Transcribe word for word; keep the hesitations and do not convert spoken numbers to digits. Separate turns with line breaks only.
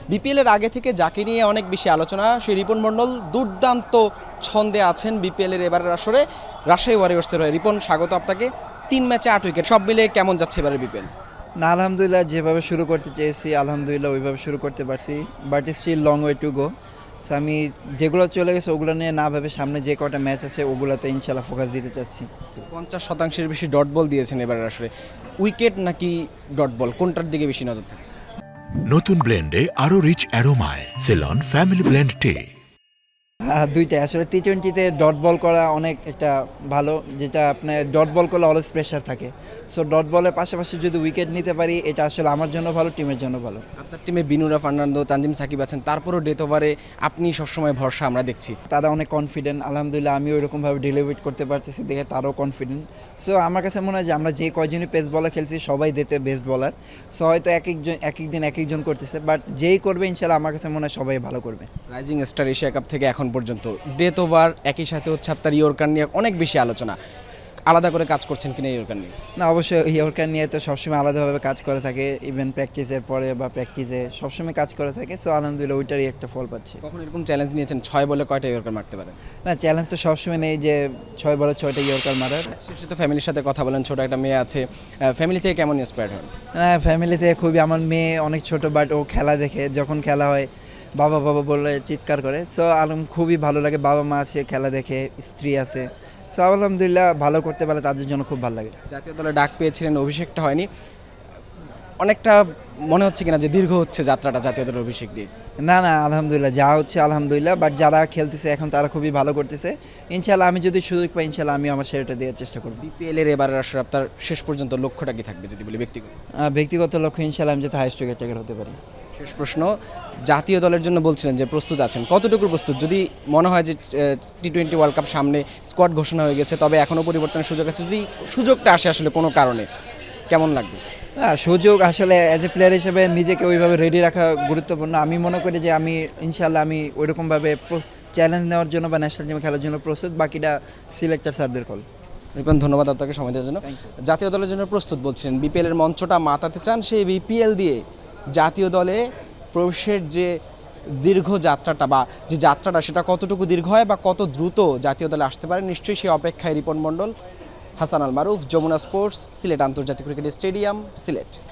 BPL এর আগে থেকে যাকে নিয়ে অনেক বেশি আলোচনা সেই রিপন মণ্ডল দুর্দান্ত ছন্দে আছেন বিপিএল এর এবারের আসরে রাজশাহী ওয়ারিয়র্সের হয়ে। রিপন, স্বাগত আপনাকে। তিন ম্যাচে আট উইকেট, সব মিলে কেমন যাচ্ছে এবারে বিপিএল?
না, আলহামদুলিল্লাহ যেভাবে শুরু করতে চেয়েছি আলহামদুলিল্লাহ ওইভাবে শুরু করতে পারছি, but still long way to go. So আমি যেগুলো চলে গেছে ওগুলো নিয়ে না ভেবে সামনে যে কটা ম্যাচ আছে ওগুলোতে ইনশাল্লাহ ফোকাস দিতে চাচ্ছি।
পঞ্চাশ শতাংশের বেশি ডট বল দিয়েছেন এবারের আসরে। উইকেট নাকি ডট বল, কোনটার দিকে বেশি নজর থাকে?
নতুন ব্লেন্ডে আরো রিচ অ্যারোমায় সেলন ফ্যামিলি ব্লেন্ড টে।
হ্যাঁ, দুইটাই আসলে টি টোয়েন্টিতে ডট বল করা অনেক একটা ভালো, যেটা আপনার ডট বল করলে অলওয়েজ প্রেশার থাকে। সো ডট বলের পাশাপাশি যদি উইকেট নিতে পারি এটা আসলে আমার জন্য ভালো, টিমের জন্য ভালো।
আপনার টিমে বিনুরা ফার্নান্দো, তানজিম সাকিব আছেন, তারপরও ডেথ ওভারে আপনি সবসময় ভরসা আমরা দেখছি।
তারা অনেক কনফিডেন্ট, আলহামদুলিল্লাহ আমি ওইরকমভাবে ডেলিভার করতে পারতেছি দেখে তারাও কনফিডেন্ট। সো আমার কাছে মনে হয় যে আমরা যে কয়জনই পেস বলার খেলছি সবাই দিতে বেস্ট বলার। সো হয়তো এক একজন এক এক দিন এক একজন করতেছে, বাট যেই করবে ইনশাল্লাহ আমার কাছে মনে হয় সবাই ভালো করবে।
রাইজিং স্টার এশিয়া কাপ থেকে এখন পর্যন্ত ডেথ ওভার, একই সাথে হচ্ছে আপনার ইয়র্কার নিয়ে অনেক বেশি আলোচনা। আলাদা করে কাজ করছেন কিনা ইয়র্কার নিয়ে?
না, অবশ্যই ইয়র্কার নিয়ে তো সবসময় আলাদাভাবে কাজ করে থাকে, ইভেন প্র্যাকটিসের পরে বা প্র্যাকটিসে সবসময় কাজ করে থাকে। সো আলহামদুলিল্লাহ ওইটারই একটা ফল পাচ্ছে।
কখন এরকম চ্যালেঞ্জ নিয়েছেন ছয় বলে কয়টা ইয়র্কার মারতে পারেন?
না, চ্যালেঞ্জ তো সবসময় নেই যে ছয় বলে ছয়টা ইয়র্কার মারার।
শেষে তো ফ্যামিলির সাথে কথা বলেন, ছোট একটা মেয়ে আছে, ফ্যামিলি থেকে কেমন ইন্সপায়ার্ড হন?
হ্যাঁ, ফ্যামিলিতে খুবই, আমার মেয়ে অনেক ছোট, বাট ও খেলা দেখে, যখন খেলা হয় বাবা বাবা বলে চিৎকার করে। সো আলম খুবই ভালো লাগে, বাবা মা আছে, খেলা দেখে, স্ত্রী আছে। সো আলহামদুলিল্লাহ ভালো করতে পারলে তাদের জন্য খুব ভালো লাগে।
জাতীয় দলে ডাক পেয়েছিলেন, অভিষেকটা হয়নি, অনেকটা মনে হচ্ছে কিনা যে দীর্ঘ হচ্ছে যাত্রাটা জাতীয় দলের অভিষেক দিয়ে?
না না, আলহামদুলিল্লাহ যা হচ্ছে আলহামদুলিল্লাহ, বাট যারা খেলতেছে এখন তারা খুবই ভালো করতেছে। ইনশাল্লাহ আমি যদি সুযোগ পাই ইনশাল্লাহ আমি আমার সেরাটা দেওয়ার চেষ্টা করব।
বিপিএল এর এবারের আসলে আপনার শেষ পর্যন্ত লক্ষ্যটা কি থাকবে যদি বলি ব্যক্তিগত?
আহ, ব্যক্তিগত লক্ষ্য ইনশাল্লাহ আমি যাতে হাইস্ট উইকেট টেকার হতে পারি।
শেষ প্রশ্ন, জাতীয় দলের জন্য বলছিলেন যে প্রস্তুত আছেন, কতটুকু প্রস্তুত? যদি মনে হয় যে টি টোয়েন্টি ওয়ার্ল্ড কাপ সামনে, স্কোয়াড ঘোষণা হয়ে গেছে, তবে এখনও পরিবর্তনের সুযোগ আছে, যদি সুযোগটা আসে আসলে কোনো কারণে, কেমন লাগবে?
হ্যাঁ, সুযোগ আসলে অ্যাজ এ প্লেয়ার হিসেবে নিজেকে ওইভাবে রেডি রাখা গুরুত্বপূর্ণ। আমি মনে করি যে আমি ইনশাল্লাহ আমি ওইরকমভাবে চ্যালেঞ্জ নেওয়ার জন্য বা ন্যাশনাল টিমে খেলার জন্য প্রস্তুত, বাকিটা সিলেক্টর স্যারদের কল।
রিপন, ধন্যবাদ আপনাকে সময় দেওয়ার জন্য। জাতীয় দলের জন্য প্রস্তুত বলছিলেন, বিপিএল এর মঞ্চটা মাতাতে চান, সেই বিপিএল দিয়ে জাতীয় দলে প্রবেশের যে দীর্ঘ যাত্রাটা বা যে যাত্রাটা সেটা কতটুকু দীর্ঘ হয় বা কত দ্রুত জাতীয় দলে আসতে পারে, নিশ্চয়ই সেই অপেক্ষায় রিপন মণ্ডল। হাসান আল মারুফ, যমুনা স্পোর্টস, সিলেট আন্তর্জাতিক ক্রিকেট স্টেডিয়াম, সিলেট।